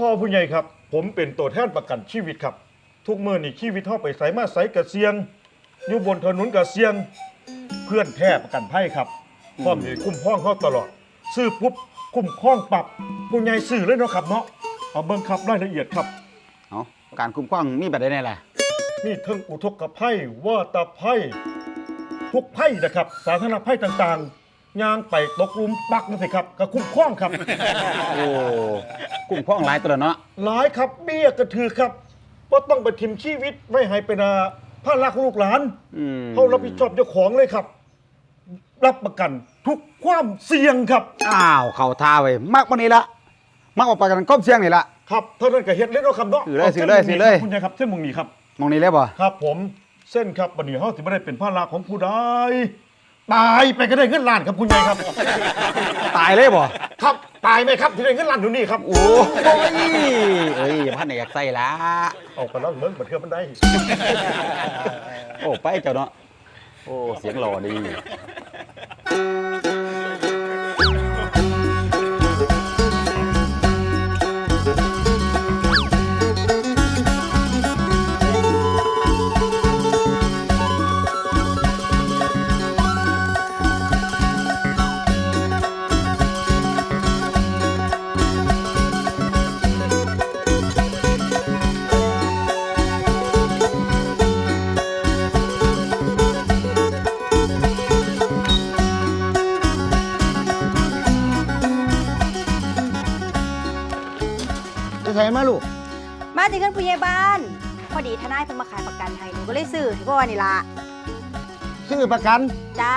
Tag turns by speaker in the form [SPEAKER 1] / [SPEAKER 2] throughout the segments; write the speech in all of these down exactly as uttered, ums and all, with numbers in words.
[SPEAKER 1] พ่อผู้ใหญ่ครับผมเป็นตัวแทนประกันชีวิตครับทุกเมื่อนี่ชีวิตเฮาไปไสมาไสกะเสียงอยู่บนถนนกะเสียงเพื่อนแท้ประกันภัยครับพร้อมสิคุ้มครองเฮาตลอดซื้อปุ๊บคุ้มครองปรับผู้ใหญ่ซื้อเลยเนาะครับเนาะเอาเบิ่งครับรายละเอียดครับ
[SPEAKER 2] เอาการคุ้มครองมีแบบใดแน่ล่ะ
[SPEAKER 1] มีทั้งอุทกภัยวาตภัยทุกภัยนะครับสาธารณภัยต่างๆยางไปตกหลุมปักนั่นสิครับก็คุ้มครองครับ
[SPEAKER 2] โอ้คุ้มครองหลายตัวเนาะ
[SPEAKER 1] หลายครับเบี้ยกระถือครับว่าต้องไปทิมชีวิตไม่ให้เป็นภาระของลูกหลานเขารับผิดชอบเจ้าของเลยครับรับประกันทุกความเสี่ยงครับ
[SPEAKER 2] อ้าวเข่าท่าไว้มากกว่านี้ละมากกว่าประกันก้มเสี่ยงนี่ละ
[SPEAKER 1] ครับเท่านั้นก็เฮ็ดเล่นเอาคำเนาะ
[SPEAKER 2] สื่อเลยสื่อเลยสื่อเลย
[SPEAKER 1] คุณยายครับเส้นมงนี้ครับ
[SPEAKER 2] มองนี้เลยบ่
[SPEAKER 1] ครับผมเส้นครับบัดนี้เฮาสิบ่ได้เป็นภาระของผู้ใดตายไปก็ได้เงินล้านครับคุณยายครับ
[SPEAKER 2] ตายเลยบ่
[SPEAKER 1] ครับตายไหมครับที่ได้เงินล้านอยู่นี่ครับ
[SPEAKER 2] โอ้ยเอ้ยอย่าพันอยากใส่ละ
[SPEAKER 1] เอาไปแล้วเมืองบัดเทื่อมันได้
[SPEAKER 2] โอ้ไปเจ้าเนาะโอ้เสียงหล่อดีใส่มาลูก
[SPEAKER 3] มาถึงกันผู้ใหญ่บ้านพอดีทนายเพิ่งมาขายประกันให้หนูก็เลยซื้อที่พ่อนี่ละ
[SPEAKER 4] ซื้อประกัน
[SPEAKER 3] จ้า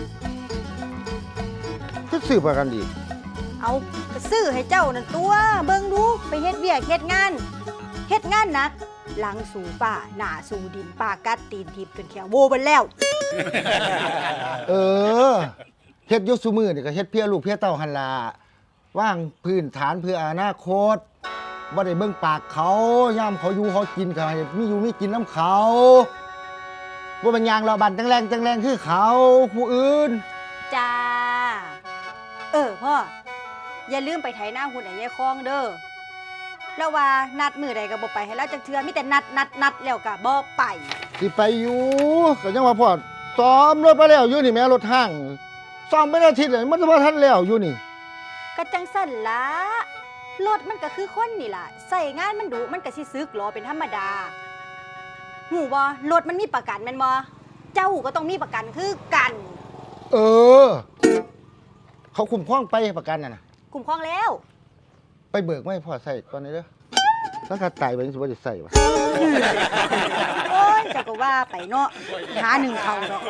[SPEAKER 4] คือซื้อประกันดี
[SPEAKER 3] เอาซื้อให้เจ้านั่นตัวเบิ่งดูไปเฮ็ดเบี้ยเฮ็ดงานเฮ็ดงานนักหลังสู่ป่าหน้าสู่ดินป่ากัดตีนทิพย์จนแขวโวเบิ่นแล้ว
[SPEAKER 4] เออเฮ็ดอยู่ซุมื้อนี่ก็เฮ็ดเพื่อลูกเพื่อเต้าหั่นล่ะว่างพื้นฐานเพื่ออนาคตบ่ได้เบิ่งปากเขาย่ามเขาอยู่เขากินก็ให้มีอยู่มีกินน้ำเขาบ่เป็นยางเราบันจังแรงจังแรงคือเขาผู้อื่น
[SPEAKER 3] จ้าเออพ่ออย่าลืมไปไถนาหุ่นไอ้ยายคองเด้อแล้วว่านัดมื้อใดก็บ่ไปให้แล้วจักเทื่อมีแต่นัดนัดนัดแล้วก็บ่ไป
[SPEAKER 4] สิไปอยู่ก็ยังว่าพ่อซ้อมรถไปแล้วอยู่นี่แม่รถห้างซ้อมไม่ได้อาทิตย์เลยมันบ่ทันแล้วอยู่นี่
[SPEAKER 3] ก็จังสั่นละรถมันก็คือคนนี่ล่ะใส่งานมันดุมันก็สิซึกหรอเป็นธรรมดาหูบ่รถมันมีประกันแม่นบ่เจ้าก็ต้องมีประกันคือกัน
[SPEAKER 4] เออเขาคุ้มครองไปประกันน่ะนะ
[SPEAKER 3] คุ้มครองแล้ว
[SPEAKER 4] ไปเบิกไม่พอใส่ตอนนี้เด้อถ้าขาดตายไปสิบ่ได้ใส่วะ
[SPEAKER 3] โอ้ยเจ้าก็ว่าไปเนาะหาหนึ่งเขาเนาะ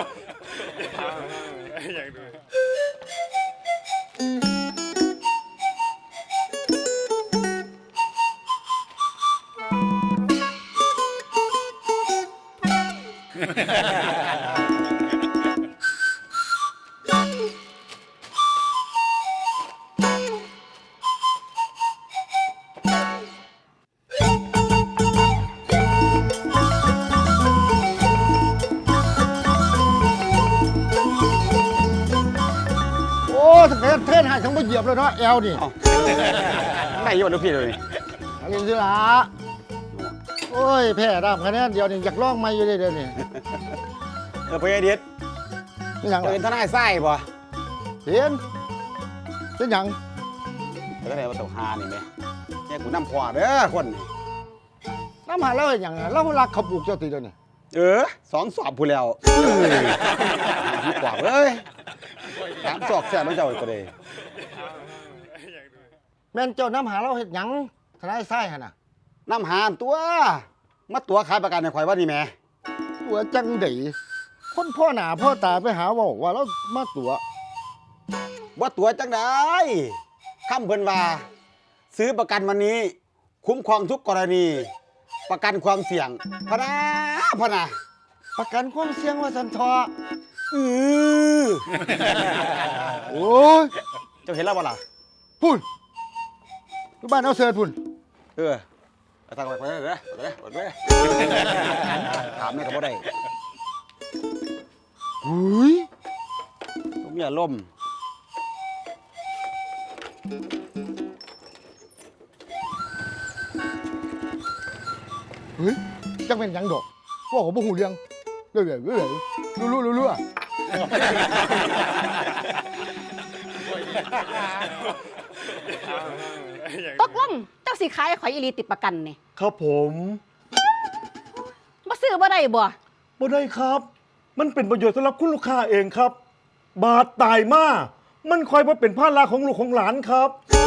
[SPEAKER 4] ถ้าเกิดเทินให้ทั้งบ่เหยียบเลยเนาะแอลนี่
[SPEAKER 2] ไหนอยู่ลูกพี่เลย
[SPEAKER 4] อันนี้สิล่ะโอ้ยแพ้ดำคะแนนเดียวนี่อยากลองใหม่อยู่เด้อนี่
[SPEAKER 2] เออพ่อใหญ่เด็ด
[SPEAKER 4] เป็นหยัง
[SPEAKER 2] เป็นทนายไส้บ่
[SPEAKER 4] เห็นเป็นหยัง
[SPEAKER 2] แล้วก็ได้ว่าตกหานี่แม่แค่กูนำขวาเด้อคน
[SPEAKER 4] น้ำหาเราอย่างเรารักเขาปลูกเจ้าตีเดียวนี่
[SPEAKER 2] เออสองสอบพูแล้วพี่กว่าเอ้ยถามจอกแซ่บไม่เจ้าอีกก็ได้
[SPEAKER 4] แม่นเจ้าน้ำหาเราเห็ดหยังทนายไส้ฮะน่ะ
[SPEAKER 2] น้ำหาตัวมาตัวขายประกันในข่อยว่านี่แม่
[SPEAKER 4] ตัวจังได๋คนพ่อหน้าพ่อตาไปหาว่าว่าเรามาตัว
[SPEAKER 2] ว่าตัวจังได๋คำเพิ่นว่าซื้อประกันวันนี้คุ้มครองทุกกรณีประกันความเสี่ยงพะนะพะนะ
[SPEAKER 4] ประกันความเสี่ยงว่าสันทอ
[SPEAKER 2] อือ
[SPEAKER 4] โอ้ย
[SPEAKER 2] เจ้าเห็นแล้วบ่ล่ะ
[SPEAKER 4] พุ่นอยู่บ้านเอาเสิร์ชพุ่น
[SPEAKER 2] เออเอาตังค์ไปเลยเด้อเด้อเด้อถามนี่ก็บ่ได้
[SPEAKER 4] หุย
[SPEAKER 2] ผมอย่าล่ม
[SPEAKER 4] ฮ้ยจังเป็นหยังดอกว่าผมบ่หูเรื่องเรื่อยๆเรื่อยๆรู้ๆรู้ๆอะ
[SPEAKER 5] ตกลงเจ้าสิขายข่อยอีหลีติดประกันนี่
[SPEAKER 1] ครับผม
[SPEAKER 5] บ่ซื้อบ่ได้บ่
[SPEAKER 1] บ่ได้ครับ มันเป็นประโยชน์สำหรับคุณลูกค้าเองครับ บาดตายมามันคอยมาเป็นภาระของลูกของหลานครับ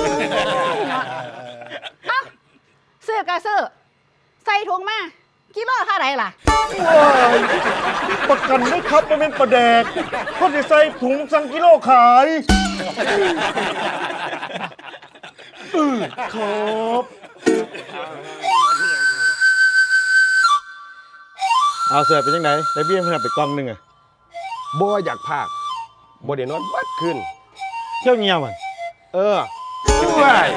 [SPEAKER 5] เอ้าซื้อก็ซื้อใส่ถุงมากิโลเท่าไหร่ล่ะ
[SPEAKER 1] ว้ายประกันไหมครับมันเป็นประแดกเขาจะใส่ถุงสังกิโลขายอือครับเอาเสิร์ฟเป็นยังไงได้เบี้ยเพื่อนไปกล่องหนึงอะ
[SPEAKER 6] บ่อยากพากบ่ได้นอนบัดขึ้น
[SPEAKER 1] เที่ยวเงียวมัน
[SPEAKER 6] เออด้วย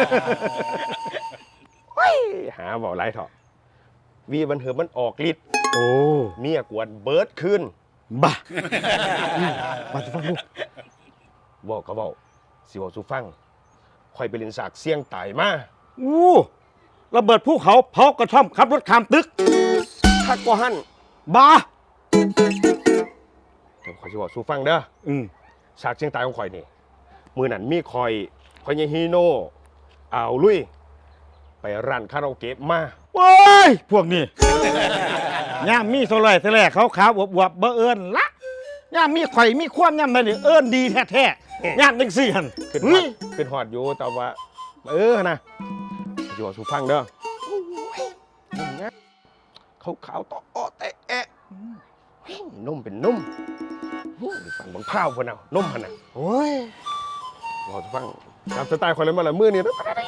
[SPEAKER 6] เฮ้ยหาเว้าหลายเถาะวีบันเถิบมันออกฤทธิ์
[SPEAKER 1] โอ้
[SPEAKER 6] เมียกวนเบิดขึ้น
[SPEAKER 1] บ้ามาจะฟังลูก
[SPEAKER 6] บอกก็เว้าสิเว้าสู่ฟังข่อยไปเล่นสากเสี่ยงตายมา
[SPEAKER 1] อู้ระเบิดภูเขาเผากระท่อมขับรถข้ามตึก
[SPEAKER 6] คักกว่าหั่น
[SPEAKER 1] บ้า
[SPEAKER 6] เดี๋ยวข่อยสิเว้าสู่ฟังเด้อ
[SPEAKER 1] อืม
[SPEAKER 6] สากเสี่ยงตายของข่อยนี่มื้อนั้นมีข่อยข่อยยายฮีโน่อ่าวลุยไปร้านคาราโอเกะมา
[SPEAKER 1] โอ้ย พวกนี้ ย่ามมีโซลอยทะเลขาวขาวๆอวบๆเบอเอิญละย่ามมีไข่มีความย่ามนั่นนี่เอิญดีแท้ๆย่ามจังสี่หัน
[SPEAKER 6] ขึ้นฮ
[SPEAKER 1] เฮ้
[SPEAKER 6] อย ดขึ้นฮอดอยู่แต่ว่า เออนะอยู่กับสูฟังเด้อเขาขาวๆต่ออ้อแต่แอะเฮ้ยนุ่มเป็นนุ่มโอ้ยฟังบังพร้าวพนเอานุ่มพนน่ะ
[SPEAKER 1] โอ้ย
[SPEAKER 6] บอกสูฟังตามสไตล์คนเลยมาละมือนี่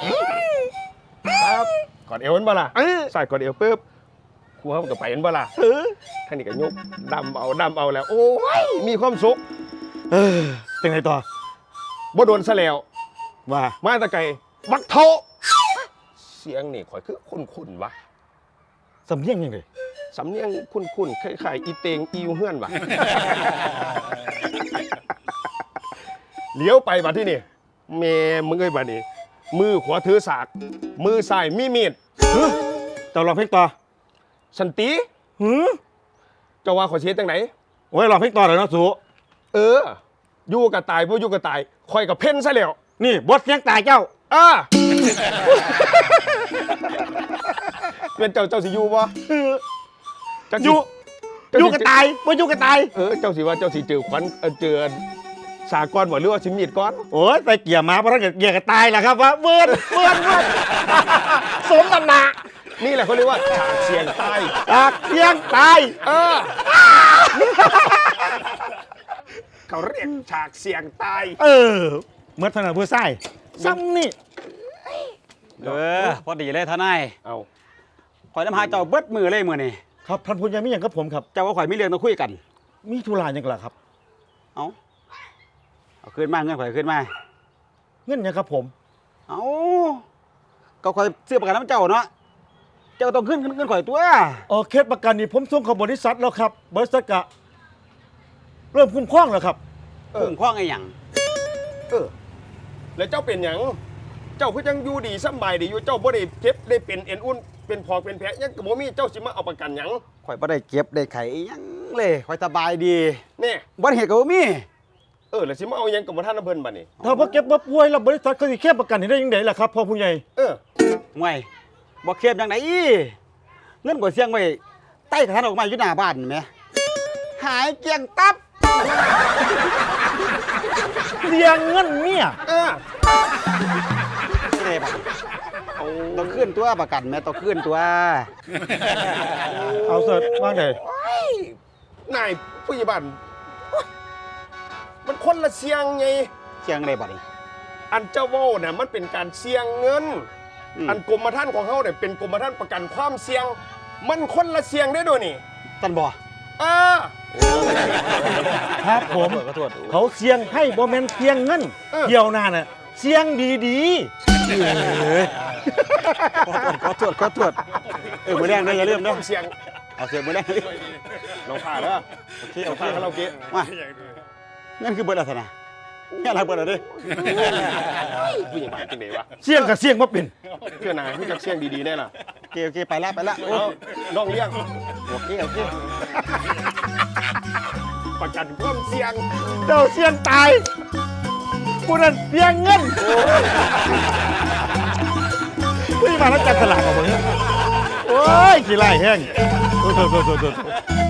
[SPEAKER 6] ครับกอดเอวมันบ่ล่ะ
[SPEAKER 1] เออ
[SPEAKER 6] ใส่กอดเอวปุ๊บครูเขาก็ไปมันบ่ล่ะเออท่านนี่ก็ยกดำเอาดำเอาแล้ว โอ้ยมีความสุข
[SPEAKER 1] เออเป็นไงต่อ
[SPEAKER 6] บ่โดนซะแล้ว
[SPEAKER 1] ว่า
[SPEAKER 6] มาแตะไกลบักโทเสียงนี่ข่อยคือคุ้นๆวะ
[SPEAKER 1] สำเนียงยังไง
[SPEAKER 6] สำเนียงคุ้นๆคล้ายๆอีเตงอีวเฮือนวะ เลี้ยวไปบัดที่นี่แม่มึงเอ้ยบัดนี้ มือขวาถือสาก มือซ้ายมีมีด
[SPEAKER 1] เฮ้ยเจ้าลองเพลงต่อ
[SPEAKER 6] สันติ
[SPEAKER 1] หือ
[SPEAKER 6] เจ้าว่าข่อยสิเฮ็ดจังไหน
[SPEAKER 1] โอ้ยลองเพลงต่อเลยเนาะสู
[SPEAKER 6] เออ อยู่กับตายบ่อยู่กับตายข่อยกับเพ่นซะแล้ว
[SPEAKER 1] นี่บทเสียงตายเจ้า
[SPEAKER 6] อ่า เป็นเจ้าเจ้าสิอยู่บ่
[SPEAKER 1] เออ
[SPEAKER 6] จัก
[SPEAKER 1] อ
[SPEAKER 6] สิ
[SPEAKER 1] ยู่
[SPEAKER 6] เจ้า
[SPEAKER 1] อยู่
[SPEAKER 6] สิ
[SPEAKER 1] กับตายบ่อยู่กับตาย
[SPEAKER 6] เออเจ้าสิว่าเจ้าสิเจอขวัญเอ่อเจอสากรบ่หรือว่าสิมีดก่อน
[SPEAKER 1] โอ้ยไปเกี่ยมาเพราะถ้าเกิดเกี่ยกับตายแหละครับว่าเวิร์นเวิร์นเวิร์น สมตำหนัก
[SPEAKER 6] นี่แหละเขาเรียกว่าฉากเสียงตาย
[SPEAKER 1] ตากเสียงตาย
[SPEAKER 6] เออ เขาเรียกฉากเสียงตาย
[SPEAKER 1] เออเมื่อถนัดเพื่อไส้ซ้ำนี่
[SPEAKER 7] เออพอดีเลยทนาย
[SPEAKER 6] เอา
[SPEAKER 7] ข่อยน้ำหาเจ้าเบิดมือเลยมือนี่
[SPEAKER 1] ครับท่านผู้ใหญ่มีอย่างกับผมครับ
[SPEAKER 7] เจ้าว่าข่อยมีเรื่องต้องคุยกัน
[SPEAKER 1] มีธุระอย่างไรครับ
[SPEAKER 7] เอาเอาขึ้นมาเงินข่อยขึ้นมา
[SPEAKER 1] เงินหยังครับผม
[SPEAKER 7] เอาก็ข่อยซื้อประกันน้ำเจ้าเนาะเจ้าต้องขึ้นเงินข่อยตัว
[SPEAKER 1] เออเคสประกันนี่ผมส่งเข้าบริษัทแล้วครับบริษัทกะเริ่มคุ้มครองแล้วครับ
[SPEAKER 7] คุ้มครองไอ้หยัง
[SPEAKER 6] เออ แล้วเจ้าเป็นหยังเจ้าคือจังอยู่ดีสำบายดีอยู่เจ้าบ่ได้เจ็บได้เป็นเอ็นอุ่นเป็นพอกเป็นแผลยังก็บ่มีเจ้าสิมาเอาประกันหยัง
[SPEAKER 7] ข่อยบ่ได้เก็บได้ไขอิหยังเลยข่อยสบายดี
[SPEAKER 6] แน่
[SPEAKER 7] บ่เหตุก็บ่มี
[SPEAKER 6] เออแล้วสิมาเอาหยังกับบ่ทันน้ำเพิ่นบัดนี้
[SPEAKER 1] ถ้าพ่อเก็บบ่ป่วยแล้วบริษัทเขาสิเคสประกันให้ได้ยังไงล่ะครับพ่อผู้ใหญ่
[SPEAKER 6] เออ
[SPEAKER 7] ห่วยบ่เคลียร์จังไดเงินข่อยเสี่ยงไว้ใต้กระถางดอกไม้อยู่หน้าบ้านแหมหายเกลี้ยงตับ
[SPEAKER 1] เสียงเงินเนี่ย
[SPEAKER 6] เออ
[SPEAKER 7] ไม่ได้บัดต้องขึ้นตัวประกันแม่ต้องขึ้นตัว
[SPEAKER 1] เอาเสร็จว่างไง
[SPEAKER 6] นายผู้ใหญ่บ้านโอ๊ยมันคนละเสียงไง
[SPEAKER 7] เสียงอะไรบัดนี้
[SPEAKER 6] อันเจ้าเว้าน่ะมันเป็นการเสี่ยงเงิน
[SPEAKER 7] อืม
[SPEAKER 6] อันกรมธรรม์ของเฮาเนี่ยเป็นกรมธรรม์ประกันความเสี่ยง มันคนละเสี่ยงได้ด้วยนี่
[SPEAKER 7] ตันบ่
[SPEAKER 6] เออ
[SPEAKER 1] ครับผม
[SPEAKER 7] ขอโทษ
[SPEAKER 1] เขาเสียงให้บ่แม่นเสียงเงิน
[SPEAKER 6] เออ
[SPEAKER 1] เที่ยวหน้าน่ะเสียงดี
[SPEAKER 7] ขอโทษขอโทษเออมือแรงเด้ออย่าลืมเด้อ
[SPEAKER 6] เสี่ยง
[SPEAKER 7] เอาเสียงมือแรงเลย
[SPEAKER 6] น้องข้าเด้อ
[SPEAKER 7] โอเค
[SPEAKER 6] น้
[SPEAKER 7] โอ
[SPEAKER 6] อง
[SPEAKER 7] เค
[SPEAKER 6] ข้าคาราโอเกะ
[SPEAKER 7] มานั่นคือเบิดอะไรนะแค่อะไรเบิดอะไรดิ
[SPEAKER 6] ผู้ใหญ่บ้านจังได๋วะ
[SPEAKER 1] ๆเสียงกับเสียงบ่เป็น
[SPEAKER 6] เพื่อนนายรู้จักเสี่ยงดีๆแน่ล่ะ
[SPEAKER 7] โอเคโอเคไปละไปละโอ้
[SPEAKER 6] เอาน้องเลี้ยง
[SPEAKER 7] โอเคโอเค
[SPEAKER 6] ประกันความเสี่ยง
[SPEAKER 1] เจ้าเสี่ยงตายผู้นั้นเสี่ยงเงินผู้ที่มาแล้วจัดสลากของผมเนี่ยโอ้ยขี้ไล่แห้งโทษโทษโทษโทษ